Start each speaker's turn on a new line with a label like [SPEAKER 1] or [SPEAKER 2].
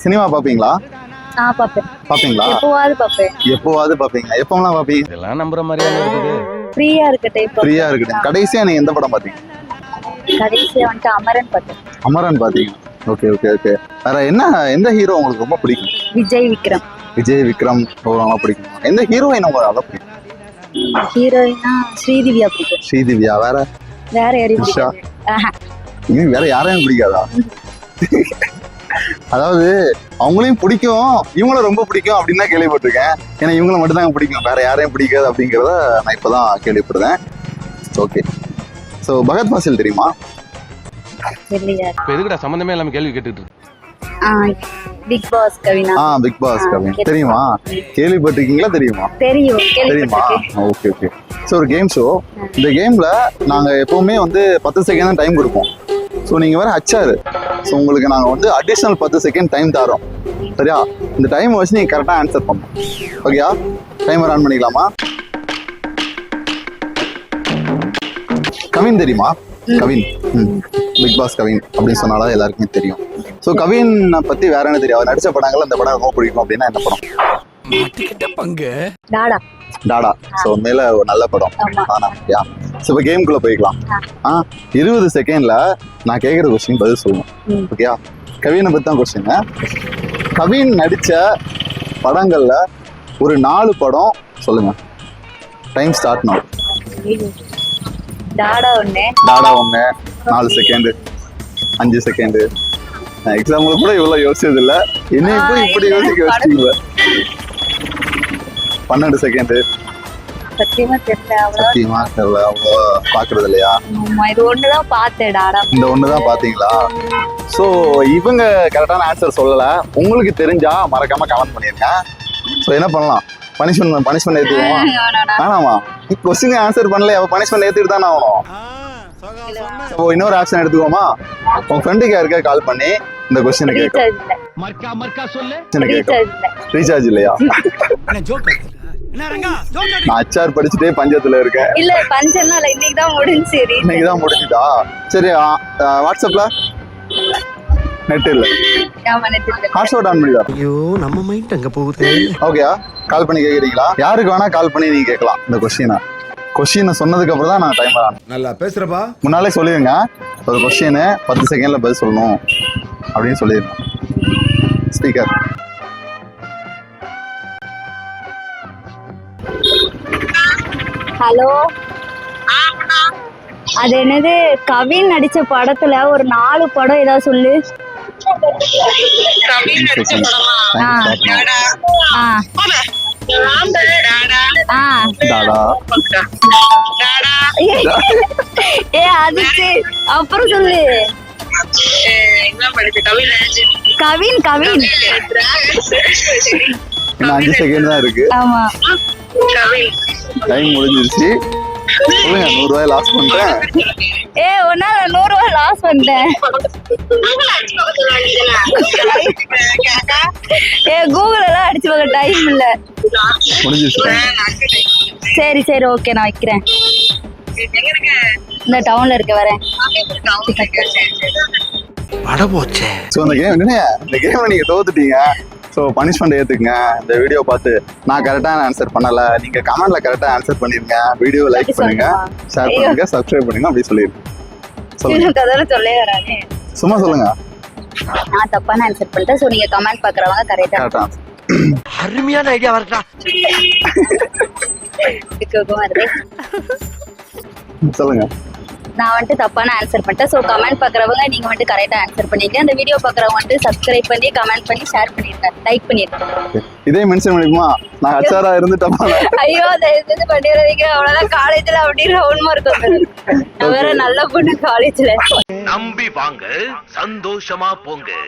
[SPEAKER 1] Cinema பாப்பீங்களா?
[SPEAKER 2] நான் பாப்பேன்.
[SPEAKER 1] பாப்பீங்களா?
[SPEAKER 2] எப்போவாது பாப்பேன்.
[SPEAKER 1] எப்போவாது பாப்பீங்க? எப்போலாம் பாப்பீங்க?
[SPEAKER 3] இதெல்லாம் நம்புற மாதிரியா இருக்குது?
[SPEAKER 2] ஃப்ரீயா இருக்க டைப்.
[SPEAKER 1] ஃப்ரீயா இருக்கு. கடைசியா நீங்க எந்த படம் பாத்தீங்க?
[SPEAKER 2] கடைசியா வந்துட்டு அமரன் பார்த்தேன்.
[SPEAKER 1] அமரன் பாத்தீங்க. Okay okay okay. வேற என்ன எந்த ஹீரோ உங்களுக்கு ரொம்ப பிடிக்கும்?
[SPEAKER 2] விஜய் விக்ரம்.
[SPEAKER 1] விஜய் விக்ரம் ரொம்ப பிடிக்கும். எந்த ஹீரோயின் உங்களுக்கு அவ்வளோ பிடிக்கும்?
[SPEAKER 2] ஹீரோயினா ஸ்ரீதிவ்யா பிடிக்கும்.
[SPEAKER 1] ஸ்ரீதிவ்யா. வேற
[SPEAKER 2] வேற யாரையும்
[SPEAKER 1] உஷா.
[SPEAKER 2] பிடிக்காது.
[SPEAKER 1] இன்னும் வேற யாரையும் பிடிக்காதா? அதாவது அவங்களையும் பிடிக்கும், இவங்களும் ரொம்ப பிடிக்கும் அப்படின்னு தான் கேள்விப்பட்டிருக்கேன். ஏன்னா இவங்களை மட்டும் தான் பிடிக்கும், வேற யாரையும் பிடிக்காது அப்படிங்கிறத நான் இப்பதான் கேள்விப்படுறேன். ஓகே. ஸோ பகத் ஃபாசில் தெரியுமா?
[SPEAKER 2] தெரியலையா?
[SPEAKER 3] இப்ப எதுக்குடா சம்பந்தமே இல்லாம கேள்வி கேட்டுட்டு இருக்கு?
[SPEAKER 2] பிக் பாஸ் கவினா.
[SPEAKER 1] பிக் பாஸ் கவின் தெரியுமா? கேள்விப்பட்டிருக்கீங்களா? தெரியுமா?
[SPEAKER 2] தெரியும்.
[SPEAKER 1] தெரியுமா?
[SPEAKER 2] கேள்விப்பட்டிருக்கேன்.
[SPEAKER 1] Okay okay. ஸோ ஒரு கேம் ஷோ. இந்த கேம்ல நாங்க எப்பவுமே வந்து 10 செகண்ட் தான் டைம் கொடுப்போம். ஸோ நீங்க வேற ஹச்ஆர். ஸோ உங்களுக்கு நாங்க வந்து அடிஷனல் 10 செகண்ட் டைம் தரோம். சரியா? இந்த டைம் வச்சு நீங்க கரெக்டா ஆன்சர் பண்ணணும். ஓகேயா? டைமர் ஆன் பண்ணிக்கலாமா? கவின் தெரியுமா? கவின். பிக் பாஸ் கவின் அப்படின்னு சொன்னாலும் எல்லாருக்குமே தெரியும். ஸோ கவின் பத்தி வேற என்ன தெரியும்? அவர் நடிச்ச படங்கள் அந்த படம் ரொம்ப பிடிக்கும் அப்படின்னா என்ன படம்?
[SPEAKER 2] டாடா.
[SPEAKER 1] டாடா. ஸோ உண்மையில ஒரு நல்ல படம். ஆனா ஸோ இப்போ கேம்குள்ள போய்க்கலாம். 20 செகண்ட்ல நான் கேட்குற கொஸ்டின் பதில் சொல்லணும். ஓகேயா? கவினை பத்தி தான் கொஸ்டின். கவின் நடிச்ச படங்கள்ல ஒரு 4 படம் சொல்லுங்க. Time start now.
[SPEAKER 2] டாடா ஒண்ணு.
[SPEAKER 1] டாடா ஒண்ணு. 4 செகண்ட், 5 செகண்ட். எக்ஸாம்பிள் கூட இவ்வளவு யோசிச்சது இல்ல. என்னையும் போய் இப்படி யோசிக்க வச்சிட்டீங்க. 12 செகண்ட்.
[SPEAKER 2] சத்தியமா தெரியல.
[SPEAKER 1] சத்தியமா தெரியல. அவ்வளோ பாக்குறது இல்லையா?
[SPEAKER 2] இது ஒண்ணுதான் பார்த்தேன். டாடா
[SPEAKER 1] இந்த ஒண்ணுதான் பாத்தீங்களா? சோ இவங்க கரெக்டான ஆன்சர் சொல்லல. உங்களுக்கு தெரிஞ்சா மறக்காம கமெண்ட் பண்ணிருங்க. சோ என்ன பண்ணலாம்? பனிஷ்மெண்ட் ஏத்துக்குவோமா? வேணாமா? கொஸ்டின் ஆன்சர் பண்ணல, அவ பனிஷ்மெண்ட் ஏத்துட்டு தானே ஆகணும். ஸோ இன்னொரு ஆப்ஷன் எடுத்துக்கோமா? உங்க ஃப்ரெண்டுக்கு யாருக்கா கால் பண்ணி இந்த கொஸ்டின் கேட்கலாம். ரீசார்ஜ் இல்லையா? நான் ஹச்ஆர் படிச்சுட்டே பஞ்சத்துல இருக்கேன்.
[SPEAKER 2] இல்ல பஞ்சம்னா இல்ல, இன்னைக்கு தான் முடிஞ்சு.
[SPEAKER 1] இன்னைக்கு தான் முடிஞ்சுதா? சரி. வாட்ஸ்அப்ல நெட் இல்ல. ஹாட்ஸ்பாட் ஆன் பண்ணிடா.
[SPEAKER 4] ஐயோ நம்ம மைண்ட் அங்க போகுது.
[SPEAKER 1] ஓகேயா? கால் பண்ணி கேக்குறீங்களா? யாருக்கு வேணா கால் பண்ணி நீங்க கேட்கலாம் இந்த கொஸ்டினை சொன்னதுக்கு அப்புறம் தான் நான் டைமர் ஆன்.
[SPEAKER 4] நல்லா பேசுறப்பா.
[SPEAKER 1] முன்னாலே சொல்லிடுங்க. ஒரு கொஸ்டின் 10 செகண்ட்ல பதில் சொல்லணும் அப்படின்னு சொல்லிடுங்க. ஸ்பீக்கர்.
[SPEAKER 2] ஹலோ. அது என்னது? கவின் நடிச்ச படத்துல ஒரு 4 படம் ஏதாவது சொல்லு. அதுக்கு அப்புறம் சொல்லு. கவின்.
[SPEAKER 1] 5 செகண்ட் தான் இருக்கு.
[SPEAKER 2] ஆமா.
[SPEAKER 1] டைம் முடிஞ்சிருச்சு. சொல்லுங்க. 100 ரூபாய் லாஸ் பண்றேன்.
[SPEAKER 2] ஒன்னால 100 ரூபாய் லாஸ் பண்ணிட்டேன். கூகுள் எல்லாம் அடிச்சு பார்க்க டைம் இல்ல.
[SPEAKER 1] முடிஞ்சிருச்சு.
[SPEAKER 2] சரி ஓகே, நான் வைக்கிறேன். இந்த டவுன்ல இருக்க வரேன்.
[SPEAKER 1] ஸோ இந்த கேம் நீங்க தோத்துட்டீங்க. So punishment ஏற்றுக்குங்க. இந்த வீடியோ பார்த்து நான் கரெக்டான ஆன்சர் பண்ணலை, நீங்கள் கமெண்ட்ல கரெக்டாக ஆன்சர் பண்ணிருங்க. வீடியோ லைக் பண்ணுங்க, ஷேர் பண்ணுங்க, சப்ஸ்கிரைப் பண்ணுங்க. அப்படி சொல்லிடுங்க. சும்மா சொல்லுங்க.
[SPEAKER 2] நான் தப்பான ஆன்சர் பண்ணிட்டேன். ஸோ நீங்கள் கமெண்ட் பார்க்குறவங்க கரெக்டாக
[SPEAKER 4] அருமையான ஐடியா வரட்டா.
[SPEAKER 1] சொல்லுங்க.
[SPEAKER 2] நான் வந்துட்டு தப்பான ஆன்சர் பண்ணிட்டேன். ஸோ கமெண்ட் பார்க்குறவங்க நீங்கள் வந்துட்டு கரெக்டாக ஆன்சர் பண்ணிருங்க. அந்த வீடியோ பார்க்குறவங்க வந்துட்டு சப்ஸ்கிரைப் பண்ணி கமெண்ட் பண்ணி ஷேர் பண்ணிருங்க, லைக் பண்ணிருங்க.
[SPEAKER 1] இதே மென்ஷன் பண்ணிக்குமா? நான் ஹச்ஆரா இருந்துட்டேன்.
[SPEAKER 2] ஐயோ தயவு பண்ணிடுறீங்க. அவ்வளோதான். காலேஜில் அப்படின்னு ரவுண்ட் மார்க் வந்து வேற நல்ல பொண்ணு காலேஜில்.
[SPEAKER 5] நம்பி வாங்க, சந்தோஷமா போங்க.